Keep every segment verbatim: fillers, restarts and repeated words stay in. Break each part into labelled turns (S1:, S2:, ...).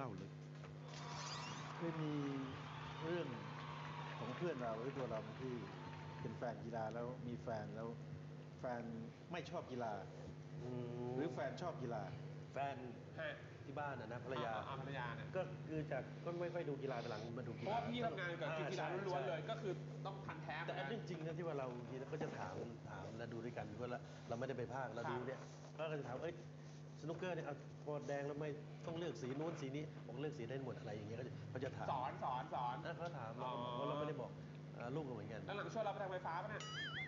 S1: เล่าเลยเคยมีเรื่องของเพื่อนเราหรือตัวเราที่เป็นแฟนกีฬาแล้วมีแฟนแล้วแฟนไม่ชอบกีฬาหรือแฟนชอบกีฬา
S2: แฟนที่บ้านนะภรรยา
S3: ภรรยาเนี่ย
S2: ก็คือจากก็ไม่ค่อยดูกีฬาแต่หลังมาดูกีฬา
S3: เพราะว่าพี่ทำงานกับกีฬาล้วนๆเลยก็คือต้องพันแท้
S2: แต่เรื่องจริงนะที่ว่าเราทีก็จะถามถามแล้วดูด้วยกันเพราะเราไม่ได้ไปภาคเราดูเนี่ยก็จะถามเอ้ยสนุกเกอร์เนี่ยเอาพอแดงแล้วไม่ต้องเลือกสีนู้นสีนี้บอกเลือกสีได้หมดอะไรอย่างเงี้ยเขาจะถาม
S3: สอนสอนสอน
S2: เขาถามเราเพราะเราไม่ได้บอกลูกเราเหมือนกัน
S3: แล้วหลังช่วยเราไปทางไฟฟ้าป่ะเนี่ย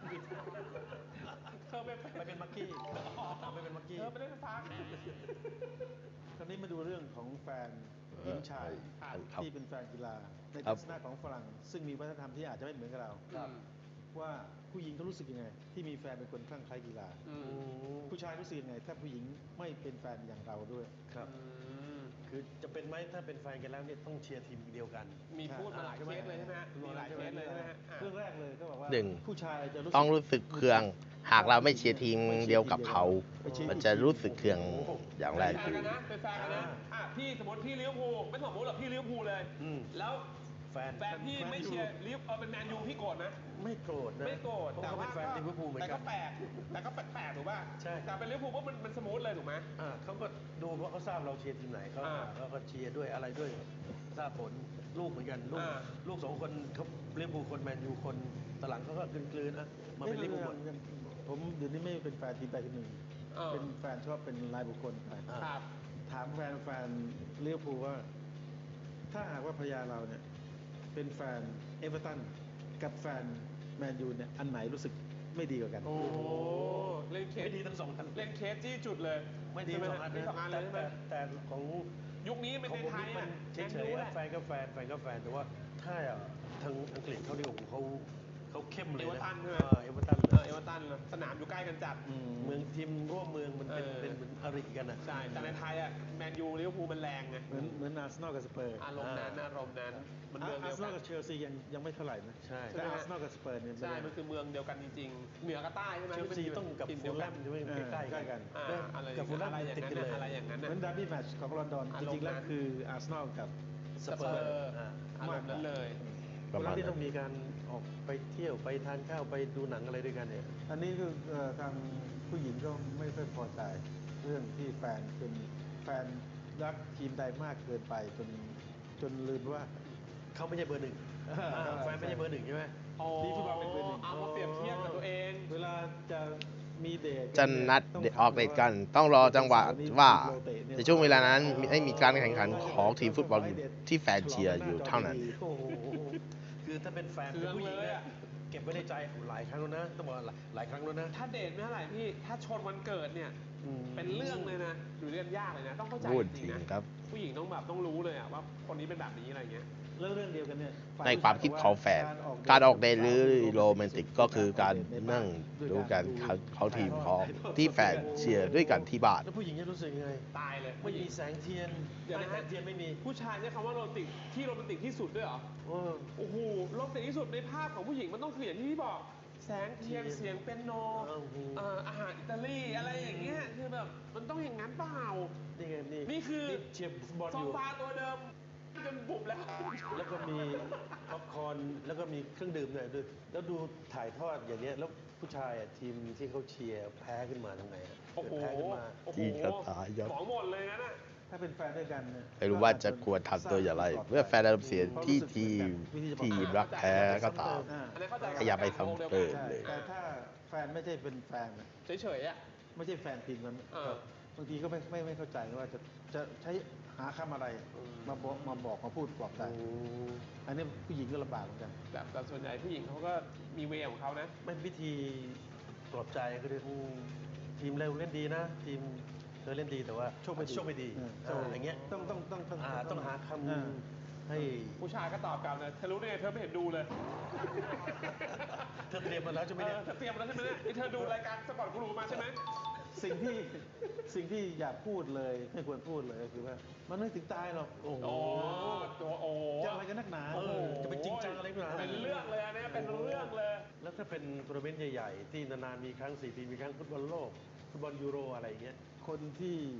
S3: เธอไป
S2: ไปเป็นมักกี้ไปเป็นมักกี้
S3: เธอไปได้ไฟฟ้า
S1: คราวนี้มาดูเรื่องของแฟนหญิงชายที่เป็นแฟนกีฬาในทัศนะของฝรั่งซึ่งมีวัฒนธรรมที่อาจจะไม่เหมือนกับเราว่าผู้หญิงเขารู้สึกยังไงที่มีแฟนเป็นคนคลั่งไคล้กีฬาผู้ชายรู้สึกยังไงถ้าผู้หญิงไม่เป็นแฟนอย่างเราด้วย
S2: ครับคือจะเป็นไหมถ้าเป็นแฟนกันแล้วเนี่ยต้องเชียร์ทีมเดียวกัน
S3: มีพูดมาหลายเคสเลยใช่ไหมฮะมีหลายเคสเลยใช่ไหมฮะ
S1: เรื่องแรกเลยก็บอกว่า
S4: หนึ่ง
S1: ผู้ชายจะ
S4: ต้องรู้สึกเคืองหากเราไม่เชียร์ทีมเดียวกับเขามันจะรู้สึกเคืองอย่างแรก
S3: เป็นแฟนกันนะเป็นแฟนกันนะอ่ะพี่สมมติพี่ลิเวอร์พูลไม่สมมติหรอกพี่ลิเวอร์พูลเลยแล้ว
S2: แฟน
S3: แฟนพี่ไม่เชียร์ลิเวอร์พูลเป็นแมนยูพี่โกรธไหม
S2: ไม่โกรธนะ
S3: ไม่โกรธ
S2: แต่ว่าเป็นแฟนลิเวอร์พูลเหมือนกัน
S3: แต่ก็แปลกแต่ก็แปลกถูกป่ะ
S2: ใช่
S3: แต่เป็นลิเวอร์พูลว่ามันมันสมูทเลยถูกไหม
S2: อ่าเขาก็ดูเพราะเขาทราบเราเชียร์ทีมไหนเขาเขาก็เชียร์ด้วยอะไรด้วยทราบผลลูกเหมือนกันลูกลูกสองคนเขาลิเวอร์พูลคนแมนยูคนตหลังเขาก็กลืนๆอ่ะมาเป็นลิเวอร์พูล
S1: ผมเดี๋ยวนี้ไม่เป็นแฟนทีมใดทีมหนึ่งเป็นแฟนชอบเป็นรายบุคคลไปถามแฟนแฟนลิเวอร์พูลว่าถ้าหากว่าภรรยาเราเนี่ยเป็นแฟนเอเวอร์ตันกับแฟนแมนยูเนี่ยอันไหนรู้สึกไม่ดีกว่ากัน
S3: โอ้เล่นเคส
S2: ไม่ดีทั้งสองอัน
S3: เล่นเคสจี้จุดเลย
S2: ไม่ดีทั้งสองอัน
S3: สองอันเลยใช่ไหม
S2: แต่ของ
S3: ยุคนี้เป็นในไทยอ่ะ
S2: เฉยๆแฟนก็แฟนแฟนก็แฟนแต่ว่าถ้าทางอังกฤษเขาดีกว่าเขาเขาเข้มเลยนะ
S3: เอเวอร์ตันใช่ไหม
S2: เอเวอร์ตัน
S3: เอเวอร์ตันสนามอยู่ใกล้กันจัด
S2: เมืองทีมร่วมเมืองมันเป็นเป็นเหมือนอริกันอ่ะ
S3: ใช่แต่ในไทยอ่ะแมนยูลิเวอร์พูลมันแรงไง
S1: เหมือนเหมือนอาร์เซนอลกับสเปอร์
S3: อารมณ์นั้นอารมณ์นั้น
S1: มันเมืองเดียวกันอาร์เซนอลกับเชลซียังยังไม่เท่าไหร่นะ
S2: ใช่
S1: แต่อาร์เซนอลกับสเปอร์เนี่ย
S3: ใช่มันคือเมืองเดียวกันจริงๆเหนือกับใต้ใช่ไหม
S2: เชลซีต้องกับฟูลแลมใช่ไหมใกล้ๆกัน
S3: กับฟูลแลมติดกันเลยอะไรอย่างนั้น
S1: เหมือนดาร์บี้แมตช์ของลอนดอนจริงๆแล้วคืออาร์เซนอลกับ
S3: สเปอร์อารมณ์นั้นเลย
S2: เวลาที่ต้องมีการออกไปเที่ยวไปทานข้าวไปดูหนังอะไรด้วยกันเนี่ย
S1: อันนี้คือทางผู้หญิงก็ไม่ค่อยพอใจเรื่องที่แฟนเป็นแฟนรักทีมใดมากเกินไปจนจนลืมว่า
S2: เขาไม่ใช่เบอร์หนึ่งแฟนไม่ใช่เบอร์หนึ่งใช่ไหม
S3: ทีฟุตบอลเป็นเบอร์หนึ่งเอามาเปรียบเทียบกับตัวเอง
S1: เวลาจะมีเดท
S4: จะนัดออกเดทกันต้องรอจังหวะว่าในช่วงเวลานั้นไม่มีการแข่งขันของทีมฟุตบอลที่แฟนเชียร์อยู่เท่านั้น
S2: คือถ้าเป็นแฟนเป็นผู้หญิงเนี่ยเก็บไว้ในใจหลายครั้งแล้วนะต้องบอกหลายครั้งแล้วนะ
S3: ถ้าเดทไม่เท่าไหร่พี่ถ้าชนวันเกิดเนี่ยเป็นเรื่องเลยนะอยู่เรื่องยากเลยนะต้องเข้าใจจริงนะผู้หญิงต้องแบบต้องรู้เลยอะว่าคนนี้เป็นแบบนี้อะไรเงี้ย
S1: เรื่องเรื่องเดียวกันเนี่ย
S4: ในความคิดของแฟนการออกเดทหรือโรแมนติกก็คือการนั่งดูกันเขาทีมของที่แฟนเชียร์ด้วยกันที่บ้าน
S2: แล้วผู้หญิงจะรู้สึกยังไง
S3: ตายเลย
S2: ไม่มีแสงเทียน
S3: เดี๋ยวนะ
S2: แสงเทียนไม่มี
S3: ผู้ชายใช้คำว่าโรแมนติกที่โรแมนติกที่สุดด้วยเหรอโอ้โหโรแมนติกที่สุดในภาพของผู้หญิงมันต้องคืออย่างที่พี่บอกแสงเทียนเสียงเปียโนอาหารอิตาลีอะไรอย่างเงี้ยคือแบบมันต้องอย่างนั้นเปล่า
S2: นี่ไงนี่
S3: นี่คือ
S2: เชียร์ฟุตบอล
S3: อ
S2: ยู่
S3: ซอฟาตัวเดิมจนบุบแล้ว
S2: แล้วก็มีป๊อปคอร์นแล้วก็มีเครื่องดื่มด้วยด้วยแล้วดูถ่ายทอดอย่างเงี้ยแล้วผู้ชายทีมที่เขาเชียร์แพ้ขึ้นมาทำไง
S3: โอ้โห
S2: แพ้ขึ้นมา
S4: ที่กระตายยับ
S3: ของหมดเลยนะ
S1: ถ้าเป็นแฟนด้วยกันเนี่ย
S4: ไม่รู้ว่าจะควรทำตัวอย่างไรเมื่อแฟนอารมณ์เสียที่ทีมทีมรักแพ้ก็ตามอย่าไปซ้ำเติมเลย
S1: แต่ถ้าแฟนไม่ใช่เป็นแฟน
S3: เฉยๆอ่ะ
S1: ไม่ใช่แฟนทีมนั้นบางทีก็ไม่ไม่ไม่เข้าใจว่าจะจะใช้หาคำอะไรมาบอกมาบอกมาพูดปลอบใจอันนี้ผู้หญิงก็ลำบากเหมือนกัน
S3: แต่ส่วนใหญ่ผู้หญิงเขาก็มีเวของเขานะ
S2: ไม่วิธีปลอบใจก็คือทีมเราเล่นดีนะทีมเธอเล่นดีแต่ว่าโชคไม่ดีโชคไม่ดีอย่างเงี้ย
S1: ต้องต้องต้องต้อง
S2: ต้องหาคำให้
S3: ผู้ชายก็ตอบกลับเลยเธอรู้ได้ไงเธอไม่เห็นดูเลย
S2: เธอเตรียมมาแล้วใช่ไหมเนี่ย
S3: เธอเตรียมมาแล้วใช่ไหมเนี่ยเธอดูรายการสปอร์ตกูรูมาใช่ไหม
S1: สิ่งที่สิ่งที่อยากพูดเลยไม่ควรพูดเลยก็คือว่ามันไม่ถึงตายหรอก
S3: โอ้โหตัวโอ้
S1: จะอะไรกันนักหนา
S2: จะไปจริงจังอะไรกัน
S3: เป็นเรื่องเลยนะเป็นเรื่องเลย
S2: แล้วถ้าเป็นทัวร์นาเมนต์ใหญ่ๆที่นานๆมีครั้งสี่ปีมีครั้งฟุตบอลโลกฟุตบอลยูโรอะไรอย่างเงี้ย
S1: คนที่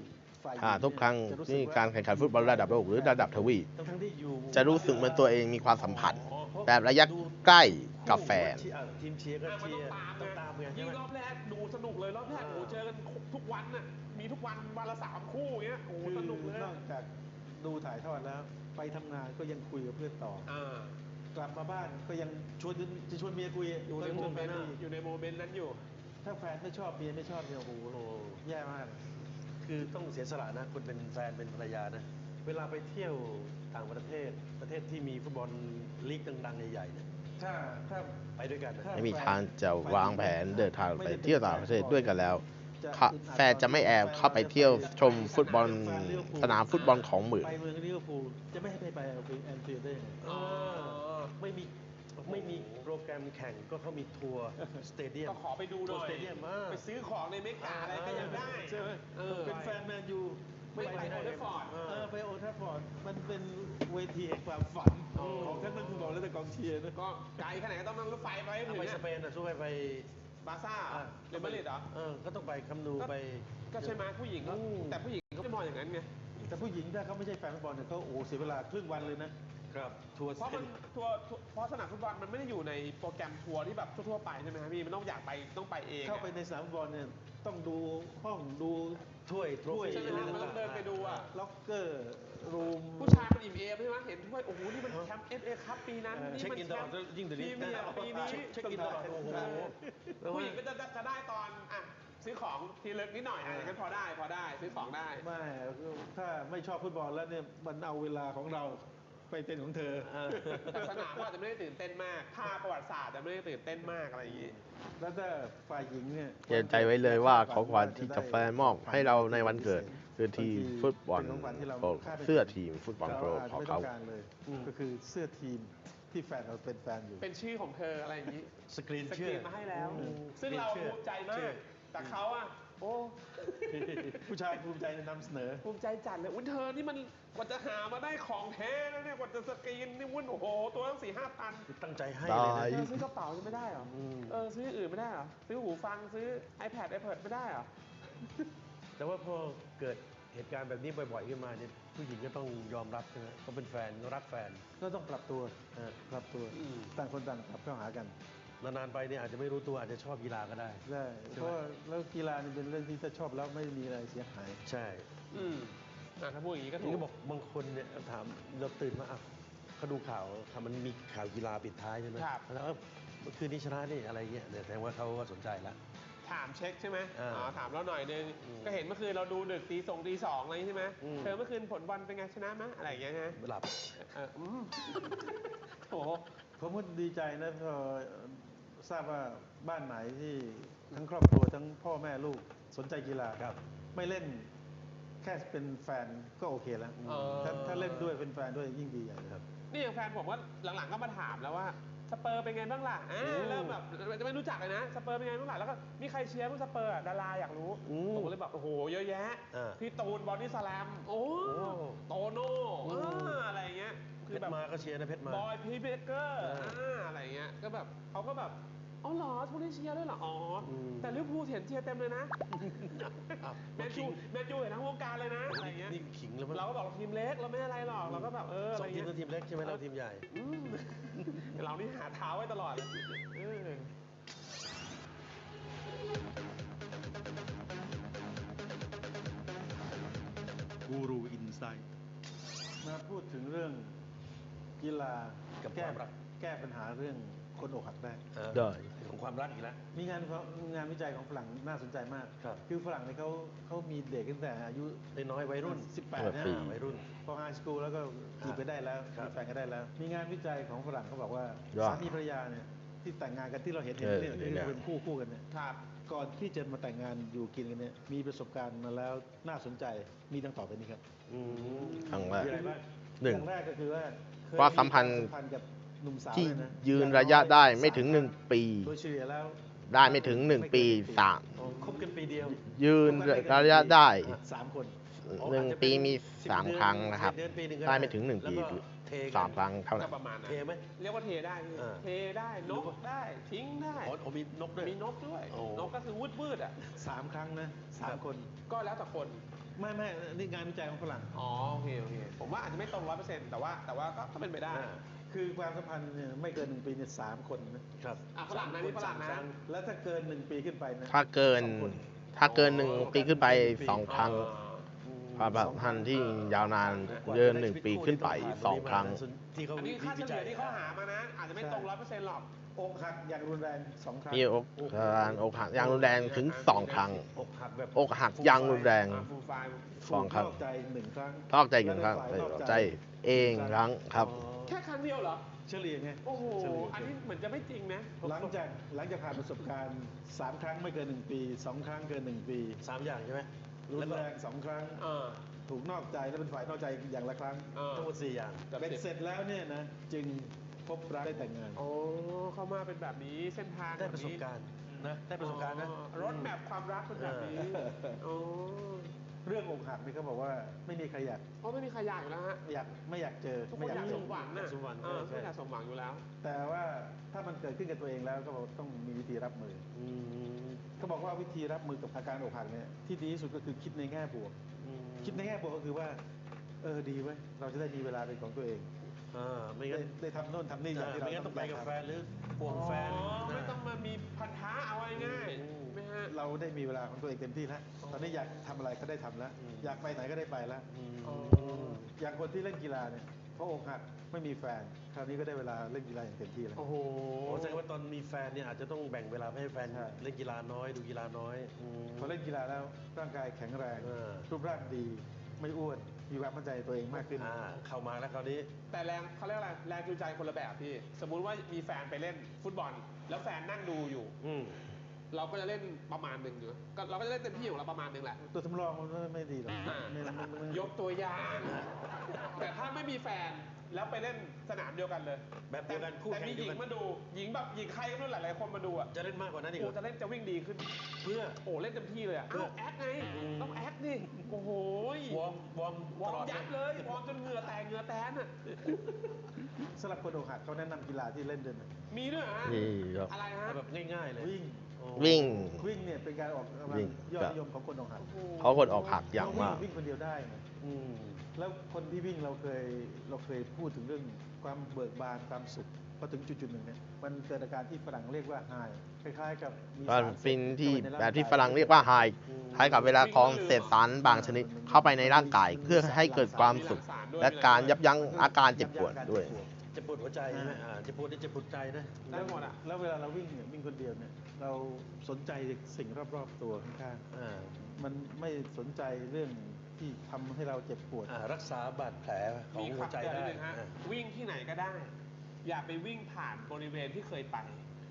S1: ฝ่ายหญิ
S4: อ่าทุกครั้ง
S1: จะสึ
S4: ที่
S1: ว่
S4: การแข่งขันฟุตบอลระดับโลกหรือระดับทวีป
S2: ทั้งๆที่อยู่
S4: จะรู้สึกเหมือนตัวเองมีความสัมพันธ์ แบบระยะใกล้กับแฟน
S2: ทีมเชียร์ก็
S3: อ่ะมัน
S2: เชีย
S3: ต้อง
S2: ร์
S3: ตาม
S2: ต้องตาม
S3: ไง
S2: ไงใช่
S3: ยิ่ง
S2: ไหม
S3: รอบแรกดูสนุกเลยรอบแรก
S2: อ่า
S3: โอ้โหเจอกันทุกวันน่ะมีทุกวันวันละสามคู่อย่างเงี้ยโอ้โห
S1: คือ
S3: สนุกเลย
S1: นอกจากดูถ่ายทอดแล้ว ไปทำงานก็ยังคุยกับเพื่อนต่อ
S3: อ่า
S1: กลับมาบ้านก็ยังชวนจะชวนเมียคุย
S3: อยู่ใน
S1: ก็
S3: โม
S1: ชวน
S3: เม
S1: แฟ
S3: นต์
S1: คุย
S3: อยู่ในโมเมนต์นั้นอยู่
S1: ถ้าแฟนไม่ชอบเมียไม่ชอบเนี่ยโอ้โห
S2: โอ้โห
S1: แย่มาก
S2: คือต้องเสียสละนะคุณเป็นแฟนเป็นภรรยานะ เวลาไปเที่ยวต่างประเทศประเทศที่มีฟุตบอลลีกดังๆใหญ่ๆเนี่ย
S1: ถ้าถ้า
S2: ไปด้วยกันนะ
S1: ถ้า
S4: ไม่มีทางจะวางแผนเดินทางไปเที่ยวต่างประเทศด้วยกันแล้ว แฟนจะไม่แอบเข้าไปเที่ยวชมฟุตบอลสนามฟุตบอลของหมื่น
S1: ไปเมืองลิเวอร์พูลจะไม่ให้ไปไปแอนฟิลด์ได้ยังไง
S3: อ๋อ
S2: ไม่มีไม่มีโปรแกรมแข่งก็เขามีทัวร์สเตเดียม
S3: ก็ขอไปดูหน่อย
S2: สเตเดียมมาก
S3: ไปซื้อของในเมกาอะไรก็ยังได้
S1: ใช่ไหม
S3: เออ
S1: เป็นแฟนแมนยู
S3: ไม่ไปโอลด์แทราฟฟอร์ด
S1: เออไปโอลด์แทราฟฟอร์ดมันเป็นเวทีแห่งความฝัน
S3: อ๋อ
S1: ของทั้งนักฟุตบอลและแต่กองเชียร์นะ
S3: ก็ไกลขนาดก็ต้องนั่งรถไฟไปให้ถึง
S2: ไปส
S3: อะ
S2: เปนอ่ะสู้ไปไป
S3: บาร์ซ่า
S2: อ่ะ
S3: เรอัลมาดริดเหรอ
S2: เออก็ต้องไปคัมนูไป
S3: ก็ใช่ไหมผู้หญิงก็
S2: อืม
S3: แต่ผู้หญิงเขาไม่มองอย่างนั้นไง
S1: แต่ผู้หญิงถ้าเขาไม่ใช่แฟนฟุตบอลเนี่ยเขาโอ้โหเสียเวลาครึ่งวันเลยนะ
S2: ครับทัวร์
S3: เพราะมันทัวร์ทัวร์เพราะสนามฟุตบอลมันไม่ได้อยู่ในโปรแกรมทัวร์ที่แบบทั่วๆไปใช่ไหมครับพี่มันต้องอยากไปต้องไปเองอะ
S1: เข้าไปในสนามฟุตบอลเนี่ยต้องดูห้องดู
S2: ถ้วยทร
S1: ถ้วย
S2: ฟี่
S3: ใช่ไหมฮะมันต้องเดินไปดูอะ
S1: ล็อกเกอร์รูม
S3: ผู้ชายมันอิ่มเอมใช่ไหมเห็นถ้วยโอ้โหนี่มันแชมป์เอฟเอคัพปีนั้น
S1: เออ
S3: นี่
S2: เช็ค
S3: มัน
S2: อิน
S3: แช
S2: ตลอ
S3: ม
S2: ด
S3: ป์
S2: ยิ่งเดี๋ยว
S3: พรี
S2: นี้
S3: เมียร์ปีนี้
S2: เช็คอินตลอดโอ้โห
S3: ผู้หญิงก็จะจะได้ตอนอ่ะซื้อของทีเล็กนิดหน่อยอ่ะอย่างนั้นพอได้พอได้ซื้อของได้
S1: ไม่ถ้าไม่ชอบฟุตบอลแล้วเนี่ยมันเอาเวลาของเราไปเป็นของเธอ
S3: แต่สนามก็อาจจะไม่ได้ตื่นเต้นมากภาพประวัติศาสตร์จะไม่ได้ตื่นเต้นมากอะไรอย่างนี้
S1: แล้วถ้าฝ่ายหญิงเนี่ย
S4: เตือนใจไว้เลยว่าของขวัญที่จะแฟนมอบให้เราในวันเกิด คือทีมฟุตบอลโปรเสื้อทีมฟุตบอลโปร
S1: อาจ
S4: ของ
S1: ไม่ต้
S4: เขา
S1: องการเลย ก็คือเสื้อทีมที่แฟนเราเป็นแฟนอยู่
S3: เป็นชื่อของเธออะไรอย่างนี้
S2: สกรีน
S3: สก
S2: ชื่อ
S3: รีนมาให้แล้ว
S2: อืม
S3: ซึ่งเรา
S2: ชื่อ
S3: ภูมิใจมา
S2: ชื่
S3: ก
S2: อ
S3: แต่เขาอ่ะโอ้
S1: ผู้ชายภูมิใจนำเสนอ
S3: ภูมิใจจัดเลยอุ้ยเธอนี่มันกว่าจะหามาได้ของแท้แล้วเนี่ยกว่าจะสกรีนนี่วุ่นโอ้โหตัวตั้งสี่ห้าพัน
S2: ตั้งใจให้เลย
S4: ได้
S2: นะ
S3: เออซื้อกระเป๋าจะไม่ได้เหรอ
S2: อืม
S3: เออซื้ออย่างอื่นไม่ได้เหรอซื้อหูฟังซื้อ iPad iPad ไม่ได้เหรอ
S2: แต่ว่าพอเกิดเหตุการณ์แบบนี้บ่อยๆขึ้นมาเนี่ยผู้หญิงก็ต้องยอมรับใช่ไหมเขาเป็นแฟนเขารักแฟน
S1: ก็ต้องปรับตัว
S2: เออ
S1: ปรับตัว
S3: อืม
S1: ต่างคนต่างปรับเข้าหากัน
S2: นานๆไปเนี่ยอาจจะไม่รู้ตัวอาจจะชอบกีฬาก็ได้
S1: ได้
S2: ใช่ไหม
S1: เพราะว่าแล้วกีฬานี่เป็นเรื่องที่ถ้าชอบแล้วไม่มีอะไรเสียหาย
S2: ใช่
S3: อืมอ่ะถ้าพูดอย่างนี้ก็ถู
S2: นี่
S3: ก
S2: ก็บอกบางคนเนี่ยถามเราตื่นมาอ่ะเขาดูข่าวค่ะมันมีข่าวกีฬาปิดท้ายใช่ไหม
S3: ครับ
S2: แล้วเออเมื่อคืนนี้ชนะนี่อะไรเงี้ยเนี่ยแสดงว่าเขาก็สนใจแล้ว
S3: ถามเช็คใช่ไหม
S2: อ่า
S3: อ๋อถามเราหน่อยนึง
S2: อืม
S3: ก็เห็นเมื่อคืนเราดูดึกตีสองตีสองอะไรใช่ไหม
S2: อืม
S3: เธอเมื่อคืนผลบอลเป็นไงชนะไหมอะไรอย่างเงี้ยฮะ
S2: หลับ
S3: เอออืมโอ้โห
S1: ผมก็ดีใจนะพอทราบว่าบ้านไหนที่ทั้งครอบครัวทั้งพ่อแม่ลูกสนใจกีฬา
S2: ครับ
S1: ไม่เล่นแค่เป็นแฟนก็โอเคแล้ว
S3: เออ
S1: ถ้าถ้าเล่นด้วยเป็นแฟนด้วยยิ่งดีใหญ่ครับ
S3: นี่อย่างแฟนผมว่าหลังๆก็มาถามแล้วว่าสเปอร์เป็นไงบ้างล่ะอ่า
S2: อืม
S3: เริ่มแบบจะไม่รู้จักเลยนะสเปอร์เป็นไงบ้างล่ะแล้วก็มีใครเชียร์บ้างสเปอร์อ่ะดาราอยากรู้
S2: อืม
S3: ผมก็เลยแบบโอ้โหเยอะแยะ
S2: อ่า
S3: พี่ตูนบอดี้สแลมโอ้
S2: โอ้
S3: โตโน่
S2: อืม
S3: อ่าอะไรอย่างเงี้ย
S2: เพ
S3: คือ
S2: ช
S3: แบ
S2: ร
S3: บ
S2: มาก็เชียร์นะเพชรมา
S3: บอยพีเบเกอร์
S2: เอออ่
S3: อ่าอะไรเงี้ย ก็แบบเขาก็แบบ อ๋อเหรอทุกคนเชียร์ด้วยเหรอ อ๋ออ
S2: ม
S3: แต่ลิเวอร์พูลเห็นเชียร์เต็มเลยนะ
S2: อ้าว
S3: แมนยูแมนยูเห็นทั้งวงการเลยนะ อะไรเงี้ย
S2: นี่ขิงแล้วมั้ง
S3: เราก็บอกเราทีมเล็ก เราไม่อะไรหรอก เราก็แบบเออ
S2: ส
S3: อะไร
S2: องทีม
S3: เงี้ย
S2: นั้นทีมเล็กใช่ไหมเราทีมใหญ่
S3: อืมเรานี่หาเท้าไว้ตลอดเลยเออ
S1: กูรูอินไซต์มาพูดถึงเรื่องกีฬา
S2: กับ
S1: แก้
S2: ความรัก
S1: แก้ปัญหาเรื่องคนอกหักได้
S2: เออ
S4: ได้
S2: ของความรักอีกแล้ว
S1: มีงานเขางานวิจัยของฝรั่งน่าสนใจมาก
S2: ครับ
S1: คือฝรั่งเนี่ยเขาเขามีเด็กตั้งแต่อายุ
S2: น้อยๆวัยรุ่น
S1: สิบแปด
S4: เออ
S1: นะ
S4: ปี
S2: วัยรุ่น
S1: พอไฮสคูลแล้วก็จีบไปได้แล้ว
S2: ครับ
S1: มีแฟนก็ได้แล้ว มีงานวิจัยของฝรั่งเขาบอกว่า
S4: ว่า
S1: สามีภรรยาเนี่ยที่แต่งงานกันที่เราเห็น
S4: เออ
S1: เนี่ยที่
S4: เนี่ย
S1: เป็นคู่คู่กันเนี่ย
S3: ครับ
S1: ก่อนที่จะมาแต่งงานอยู่กินกันเนี่ยมีประสบการณ์มาแล้วน่าสนใจมีดังต่อไปนี้ครับ
S2: อืม
S4: ครั้งแรก
S2: มีอะไรบ้าง
S4: หนึ่ง
S1: อย่างแรกก็คือว่าเคย
S4: ความสัมพันธ์
S1: ความสัมพันธ์กับหนุ่มสาว
S4: ที่
S1: เลยนะ
S4: ยืนระยะได้ไม่ถึงหนึ่งปี
S1: โดยเฉลี่ยแล้ว
S4: ได้ไม่ถึงหนึ่งปีสาม
S2: อ๋อคบกันปีเดียว
S4: ยืนระยะได้
S1: สามคน
S4: หนึ่งปีมีสามครั้งนะครับ
S2: เดือนปีหนึ่งก็
S4: ได้ไม่ถึงหนึ่งปี
S2: แล้วก็เทกัน
S4: สามครั้งเท่า
S3: ก็
S4: นั้น
S3: ประมาณนั้น
S2: เทไหม
S3: เรียกว่าเทได้พี่
S2: เออ
S3: เทได้ นกได้ ทิ้งได้
S2: อ๋ออ๋อมีนกด้วย
S3: มีนกด้วย
S2: โอ้
S3: นกก็คือวืดวืดๆอ่ะ
S1: สามครั้งนะสามคน
S3: ก็แล้วแต่คน
S1: ไม่ไม่นี่งานวิจัยของฝรั่ง
S3: อ๋อโอเคโอเคผมว่าอาจจะไม่ตรงร้อยเปอร์เซ็นต์แต่ว่าแต่ว่าก็ก็เป็นไปได้
S2: อ่า
S1: คือความสัมพันธ์เนี่ยไม่เกินหนึ่งปีเนี่ยสามคนนะครับ
S3: อ่ะฝรั่งนะนี่ฝรั่งนะ
S1: แล้วถ้าเกินหนึ่งปีขึ้นไปนะ
S4: ถ้าเกิน
S1: สองคน
S4: ถ้าเกินหนึ่งปีขึ้นไปสองครั้งความสัมพันธ์ที่ยาวนานเกินหนึ่งปีขึ้นไปสองครั้ง
S2: ที่เขา
S3: อันนี้ค่าเฉลี่ยที่เขาหามานะ อาจจะไม่ตรงร้อยเปอร์เซ็นต์หรอก
S1: อกหักอย่างรุนแรงสองครั้ง
S4: มีอกการอกหักอย่างรุนแรงถึงสองครั้ง
S2: อกหักแบบ
S4: อกหักอย่างรุนแรง
S3: อ่าฟูลไฟล์
S4: สองครั้ง
S1: นอกใจหนึ่งครั้ง
S4: นอกใจหนึ่งครั้ง
S1: และในฝ่ายนอก
S4: ใจเองครั้งครับ
S3: แค่ครั้งเดียวเหรอ
S1: เฉลี่ยไง
S3: โอ้โห
S1: เฉลี่ย
S3: อันนี้เหมือนจะไม่จริงนะ
S1: หลังจากหลังจากผ่านประสบการณ์สามครั้งไม่เกินหนึ่งปีสองครั้งเกินหนึ่งปี
S2: สามอย่างใช่ไหม
S1: รุ
S2: แล้ว
S1: น
S2: ก็
S1: แรงสองครั้ง
S3: เออ
S1: ถูกนอกใจและเป็นฝ่ายนอกใจอย่างละครั้ง
S3: เออ
S2: ทั้งหมดสี่อย่าง
S3: กับ
S1: เป็น
S3: สิบ
S1: เสร็จแล้วเนี่ยนะจึงพบรักได้แต่งงาน
S3: โอ้เข้ามาเป็นแบบนี้เส้นทาง
S2: ได้ประสบการณ์นะได้ประสบการณ์นะ
S3: อ๋อรถแมพความรักเป็นแบบนี้
S1: เออ
S3: โอ้
S1: เรื่องอกหักนี่เขาบอกว่าไม่มีใครอยาก
S3: เพราะไม่มีใครอยากอยู่แล้วฮะ
S1: อยากไม่อยากเจอ
S3: ทุกค
S1: ไม่
S3: นอยาก
S1: เจ
S3: ส
S1: อ
S3: มหวังนะ
S2: สมหวัง
S3: เออ
S2: ใช่
S3: ทุกคนอยากสมหวังอยู่แล้ว
S1: แต่ว่าถ้ามันเกิดขึ้นกับตัวเองแล้วก็บอกต้องมีวิธีรับมือ
S2: อืม
S1: เขาบอกว่าวิธีรับมือกับอาการอกหักเนี่ยที่ดีที่สุดก็คือคิดในแง่บวก
S2: อืม
S1: คิดในแง่บวกก็คือว่าเออดีเว้ยเราจะได้มีเวลาเป็นของตัวเอง
S2: อ่าไม่
S1: ได้
S2: งั้น
S1: ได้ทำโน่นทำนี่อย่างที่เรา
S2: ไม่งั้นต้องไปกับแฟนหรือห่วงแฟน
S3: อ๋อไม่
S2: นะ
S3: ต้องมามีพันธะเอาง่าย
S2: อืม
S3: ๆไม่ฮะ
S1: เราได้มีเวลาของตัวเองเต็มที่แล้วตอนนี้อยากทำอะไรก็ได้ทำแล้ว
S2: อืม
S1: อยากไปไหนก็ได้ไปแล้ว
S2: อืม
S3: อ๋อ
S1: อย่างคนที่เล่นกีฬาเนี่ยเพราะอกหักไม่มีแฟน คราวนี้ก็ได้เวลาเล่นกีฬาอย่างเต็มที่แล้ว
S3: โอ้โห
S2: โอ้แสดงว่าตอนมีแฟนเนี่ยอาจจะต้องแบ่งเวลาให้แฟน
S1: ใช่
S2: เล่นกีฬาน้อยดูกีฬาน้อยอืม
S1: พอเล่นกีฬาแล้วร่างกายแข็งแรง
S2: เออ
S1: รูปร่างดี ไม่อ้วนมีความมั่นใจในตัวเองมากขึ้น
S2: อ่าเข้ามาแล้วคราวนี้
S3: แต่แรงเขาเรียกอะไรแรงจูงใจคนละแบบพี่ สมมุติว่ามีแฟนไปเล่นฟุตบอล แล้วแฟนนั่งดูอยู่
S2: อืม
S3: เราก็จะเล่นประมาณหนึ่งอยู่ก็เราก็จะเล่นเต็มที่ของเราประมาณหนึ่งแหละ
S1: ตัวสำรองมันไม่ดีหรอก
S3: อ่า
S1: ไม่ไม่ไม่ไม่
S3: ยกตัวอย่าง แต่ถ้าไม่มีแฟนแล้วไปเล่นสนามเดียวกันเลย
S2: แบบเดียวกันคู่
S3: แต่
S2: แข่ง
S3: มีห
S2: เดี
S3: ญิ
S2: ยว
S3: ง
S2: กัน
S3: มาดู หญิงแบบหญิงใครก็ไม่รู้หลายๆคนมาดูอ่ะ
S2: จะเล่นมากกว่านั้นอีกเหร
S3: โอ้
S2: อ
S3: จะเล่นจะวิ่งดีขึ้น
S2: เพื่อ
S3: โอ้เล่นเต็มที่เลยอ่ะ
S2: เพื่อ
S3: อ้าวแอคไง
S2: อืม
S3: ต้องแอคดิโอ้โห
S2: วอร์มวอร์ม
S3: วอ
S2: ต
S3: ร์
S2: ล
S3: ม
S2: อด
S3: ยับเลย วอร์มจนเหงื่อแตกเหงื่อแตนอ่ะ
S1: สำหรับคนอกหักเขาแนะนำกีฬาที่เล่นด้วยนะ
S3: มีด้วยเหรอฮะ
S4: นี่ครับ
S3: อะไรฮะ
S2: เอาแบบง่ายๆเลย
S1: วิ่ง
S2: โอ้
S4: วิ่ง
S1: วิ่งเนี่ยเป็นการออกกำลัง
S4: วิ่ง
S1: ยอดนิยมของคนอกหัก
S3: โอ้โห
S4: เขาคนออกหักอย่างมาก
S1: วิ่งคนเดียวได้นะ
S2: อืม
S1: แล้วคนที่วิ่งเราเคยเราเคยพูดถึงเรื่องความเบิกบานความสุขพอถึงจุดๆหนึ่งเนี่ยมันเกิดอาการที่ฝรั่งเรียกว่าไฮคล้ายๆกับมี
S4: มัน
S1: สาร
S4: เป็นที่
S1: เข้าไปในาง
S4: แบบที่
S1: กาย
S4: ฝรั่งเรียกว่าไฮคล้ายกับเวลาของเศษสารบางชนิดเข้าไปในร่างกาย เพื่อให้เกิดความสุข และการยับยั้งอาการเจ็บปวดด้วย
S2: เจ็บปวดหัวใจใช่ไหมอ่าเจ็บปวดนี่เจ็บปวดใจนะ
S3: ได้หมดอ่ะ
S1: แล้วเวลาเราวิ่งเนี่ยวิ่งคนเดียวเนี่ยเราสนใจสิ่งรอบๆตัวข้าง
S2: อ่า
S1: ๆมันไม่สนใจเรื่องที่ทำให้เราเจ็บปวด
S2: อ่ารักษาบาดแผลของ
S3: มี
S2: หัวใจ
S3: คำเตือนนิ
S2: ได้
S3: ดนึงฮะ
S2: อ่า
S3: วิ่งที่ไหนก็ได้ อย่าไปวิ่งผ่านบริเวณที่เคยไป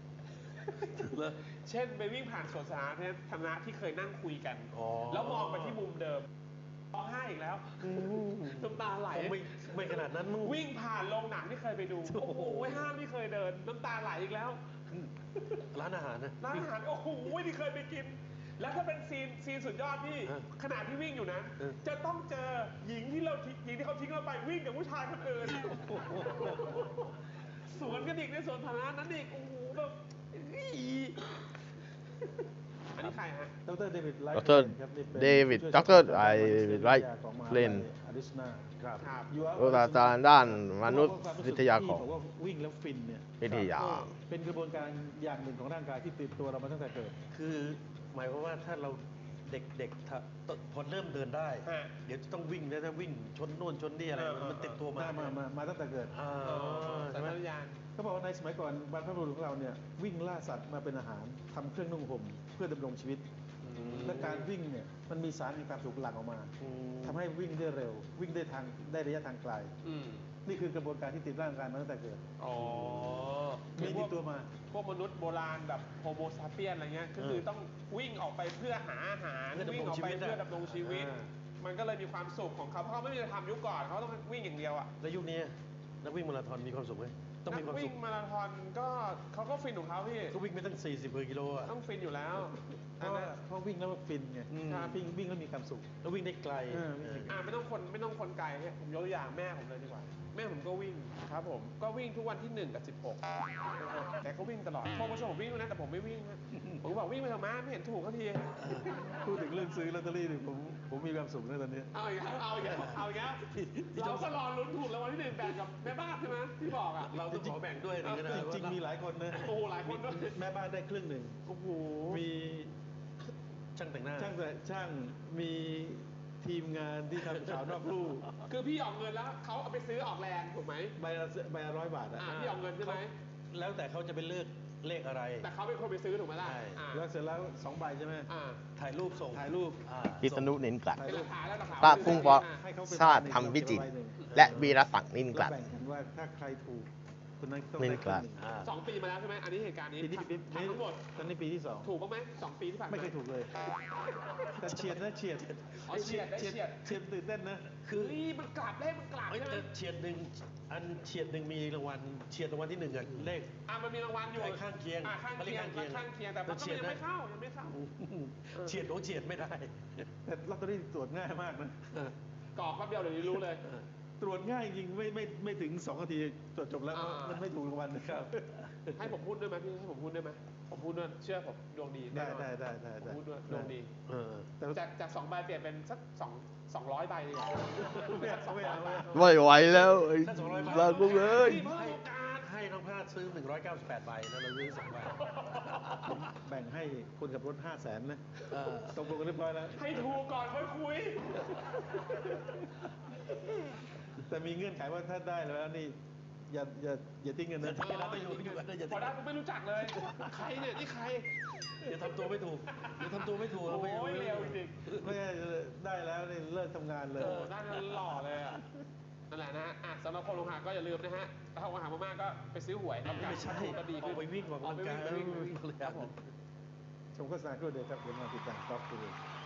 S3: เช่นไปวิ่งผ่านสวนสาธารณะที่เคยนั่งคุยกัน
S2: อ๋อ
S3: แล้วมองไปที่มุมเดิมร้องไห้อีกแล้วน้ำตาไหล
S2: ไม่ไม่ขนาดนั้นมึง
S3: วิ่งผ่านโรงหนังที่เคยไปดู โอ้โหห้างที่เคยเดิน น้ำตาไหลอีกแล้ว
S2: ร้านอาหารนะ
S3: ร้านอาหารโอ้โหที่เคยไปกิน แล้วถ้าเป็นซีนซีนสุดยอดพี่
S2: เออ
S3: ขณะที่วิ่งอยู่นะ
S2: เออ
S3: จะต้องเจอหญิงที่เราทิ้งหญิงที่เขาทิ้งเราไปวิ่งกับผู้ชายคนอื่น สวนกันอีกในสวนสาธารณะนั้นอีกโอ้โหแบบอี้อันนี้ใครฮะ
S1: ดรเดวิดไลท์
S4: ดร
S1: ครับนี่เป็น
S4: เดวิด
S1: ผู้
S4: ด
S1: ช่วย
S4: รไอ
S1: ศาสตราจารย์
S4: ไลท์
S1: ของมหา
S4: เล่น
S1: อาริโซนาครับ
S3: ครับ
S1: อยู่
S4: โออาจารย์ด้านมนุษยวิทยาของ
S1: บอกว่าวิ่งแล้วฟินเนี่ย
S4: วิทยา
S1: เป็นกระบวนการอย่างหนึ่งของร่างกายที่ติดตัวเรามาตั้งแต่เกิด
S2: คือหมายความว่าถ้าเราเด็กๆถ้าพอเริ่มเดินได้
S3: ฮะ
S2: เดี๋ยวจะต้องวิ่งแล้วถ้าวิ่งชนโน่นชนนี่อะไร
S3: เออเออ
S2: มันติดตัว
S1: มา
S2: มา
S1: มามามาตั้งแต่เกิด
S2: อ่า
S3: อ๋อ
S2: ใช่
S3: สัญ
S2: ไหม
S3: ชาตญาณ
S1: เขาบอกว่าในสมัยก่อนบรรพบุรุษของเราเนี่ยวิ่งล่าสัตว์มาเป็นอาหารทำเครื่องนุ่งห่มเพื่อดำรงชีวิต และการวิ่งเนี่ยมันมีสารมีความสุขหลั่งออกมา
S2: อืม
S1: ทำให้วิ่งได้เร็ว วิ่งได้ทางได้ระยะทางไกล
S3: อืม
S1: นี่คือกระบวนการที่ติดร่างกายมาตั้งแต่เกิด
S3: อ๋อ
S1: มีติดตัวมา
S3: พวกมนุษย์โบราณแบบโฮโมซาเปียนอะไรเงี้ยก็คือต้องวิ่งออกไปเพื่อหาอาหาร
S2: เพื่อดำรง
S3: วิ่งออกไป
S2: ชีวิตอะ
S3: เพื่อดำรงชีวิต
S2: อ่า
S3: มันก็เลยมีความสุขของเขาเพราะเขาไม่มีอะไรทำยุคก่อนเขาต้องวิ่งอย่างเดียวอ่ะ
S2: แล้วยุคนี้นักวิ่งมาราธอนมีความสุขไหมต้อง
S3: นั
S2: มีความ
S3: วิ่
S2: สุ
S3: ง
S2: ข
S3: มาราธอนก็เขาก็ฟินของเขาพี่
S2: ก็วิ่งไม่ตั้งสี่สิบกิโลอ่ะ
S3: ต้องฟินอยู่แล้ว
S1: เพ
S3: อัน
S1: ราะ
S3: นั้น
S1: เพราะวิ่งแล้วฟินไง
S2: อืม
S1: วิ่งวิ่งแล้วมีความสุข
S2: แล้ววิ่งได้ไกล
S1: เออวิ่งได้ไกล
S3: อ่าไม่ต้องคนไม่ต้องคนไกลเนี่ยผมยกตัวอย่างแม่ผมเลยดีกว่าแม่ผมก็วิ่งครับผมก็วิ่งทุกวันที่หนึ่งกับสิบหกแต่ก็วิ่งตลอดโทรมาชวนผมวิ่งด้วยนะแต่ผมไม่วิ่งนะผมก็บอกวิ่งไปเถอะมาไม่เห็นถูกเขาที
S1: พูดถึงเรื่องซื้อลอตเตอรี่เนี่ยผมผมมีความสุขนะตอนนี้
S3: เอาอีกแล้วเอาอีกแล้วเอาอีกแล้วเราก็รอลุ้นถูกรางวัลที่หนึ่งแบ่งกับแม่บ้านใช่ไหมที่บอกอ่ะ
S2: เราต้องขอแบ่งด้วยนะ
S1: จริงๆมีหลายคนนะ
S3: โอ้โหหลายคนด้วย
S1: แม่บ้านได้ครึ่งหนึ่ง
S3: โอ้โห
S1: มี
S2: ช่างแต่งหน้า
S1: ช่างแต่ช่างมีทีมงานที่ทำข่าวนอกลู่
S3: คือพี่ออกเงินแล้วเขาเอาไปซื้อออกแรงถูกไหม
S1: ใบละใบละร้อยบาทอะ
S3: อ่าพี่ออกเงินใช่ไหม
S2: แล้วแต่เขาจะไปเลือกเลขอะไร
S3: แต่เขาเป็นคนไปซื้อถูกไหมล่ะ
S2: ใช่
S3: อ่า
S1: แล้วเสร็จแล้วสองใบใช่ไหม
S3: อ่า
S2: ถ่ายรูปส่ง
S1: ถ่ายรูป
S2: อ่า
S4: พิษณุนินกลัด
S1: ถ่าย
S3: เป็นห
S1: รู
S3: ลั
S1: ป
S3: กฐานแล้วหลักฐาน
S4: พระกุ้งปอ
S1: ให้เขาเป็น
S4: ชาติธรรมวิจิตร
S1: ใบหนึ่ง
S4: และวีรศักดิ์นินก
S1: แล้
S4: ลั
S1: ว
S4: ด
S1: แบ่งกันว่าถ้าใครถูกคนนั้นต้อง
S4: นิ
S1: ได้
S4: น
S1: ค
S4: กลั
S1: รึ่ง
S4: ด
S1: หนึ่ง
S2: อ่า
S3: สองปีมาแล้วใช่ไหมอันนี้เหตุการณ์นี้
S1: ปีนี้ปี
S3: ทำทั้งหมด
S1: ตอนนี้ปีที่สอง
S3: ถูกบ้างไหมสองปีที่ผ่านมา
S1: ไม่เคยถูกเลย แต่เฉียดนะเฉียด
S3: อ๋อเฉียดได้เฉียด
S1: เฉียดตื่นเต้นนะ
S2: คือ
S3: เฮ้ยมันกลับเลขมันกลับ
S2: เอ้ย
S3: ใช่ไหม
S2: แต่เฉียดหนึ่งอันเฉียดหนึ่งมีรางวัลเฉียดรางวัลที่หนึ่งอะเลข
S3: อ่ะมันมีรางวัลอยู่
S2: ไอ้ข้างเคียง
S3: อ่ะข้าง
S2: เขาเรี
S3: เคี
S2: ย
S3: ย
S2: ก
S3: ง
S2: ข้างเคียง
S3: ข้างเคียงแต่มันก็
S2: เฉียด
S3: ยัง
S2: นะ
S3: ไม่เข้ายังไม่เข้า
S2: เฉียดโอ้เฉียดไม่ได้
S1: แต่ลอตเตอรี่ตรวจง่ายมากนะ
S3: กรอกแป๊บเดียวเดี๋ยวนี้รู้เลย
S1: ตรวจง่ายจริงไม่ไม่ไม่ถึงสองนาทีตรวจจบแล้ว
S3: อ่ามั
S1: มันไม่ถูกรางวัลนะครับ
S3: ให้ผมพูดด้วยไหมพี่ให้ผมพูดด้วยไหมผมพูดด้วยเชื่อผมดวงดีแน่
S1: ได้
S3: นอน
S1: ได้ได้ได้
S3: ผม
S1: ได้
S3: พูดด้วยดวงดี
S2: เออ
S1: แต่
S3: จากจากสองใบเปลี่ยนเป็นสักสองสองร้อยใบเลยอ่ะ
S1: ไม่เอาไม่เอาไม่เอา
S4: ไม่ไหวแล้วไอ้
S2: ถ้าสองร้อยบาท
S4: พระกุ้งเอ้ย
S3: เพิ่มโอกาส
S2: ให้น้องพลาดซื้อหนึ่งร้อยเก้าสิบแปดใบแล้วเราซื้อสองใบ
S1: ผมแบ่งให้คนขับรถห้าแสนนะ
S2: เออ
S1: ตกลงกันเรียบร้อยแล้ว
S3: ให้ถูกก่อนค่อยคุย
S1: แต่มีเงื่อนไขว่าถ้าได้แล้วนี่อย่าอย่าอย่าทิ้งเงินนะ
S2: อย่าทิ้ง ไม่อยู่อยู่กันได้อย่า
S3: พอได้ผมไม่รู้จักเลย ใครเนี่ยนี่ใคร
S2: อย่าทำตัวไม่ถูกอย่าทำตัวไม่ถูก
S3: โอ้
S2: ไม่
S3: ยเร็วจริง
S1: ไม่งั้นได้แล้วนี่เลิกทำงานเล
S3: เอย อได้แล้วหล่อเลยอ่ะนั่นแหละนะฮะอ่ะสำหรับคนลงหาก็อย่าลืมนะฮะถ้าลงหามากๆก็ไปซื้อหวยรับการ
S2: ไม่ใช่
S3: ถูกก็ดี
S2: อ
S3: ขึ้
S2: อน กไปวิ่งออกกำลังกาย
S3: ไปวิ่งไปวิ่งไปวิ่งครับผม
S1: ชมโฆษณาครู่เดียวครับเดี๋ยวมาติดตามครับคุณ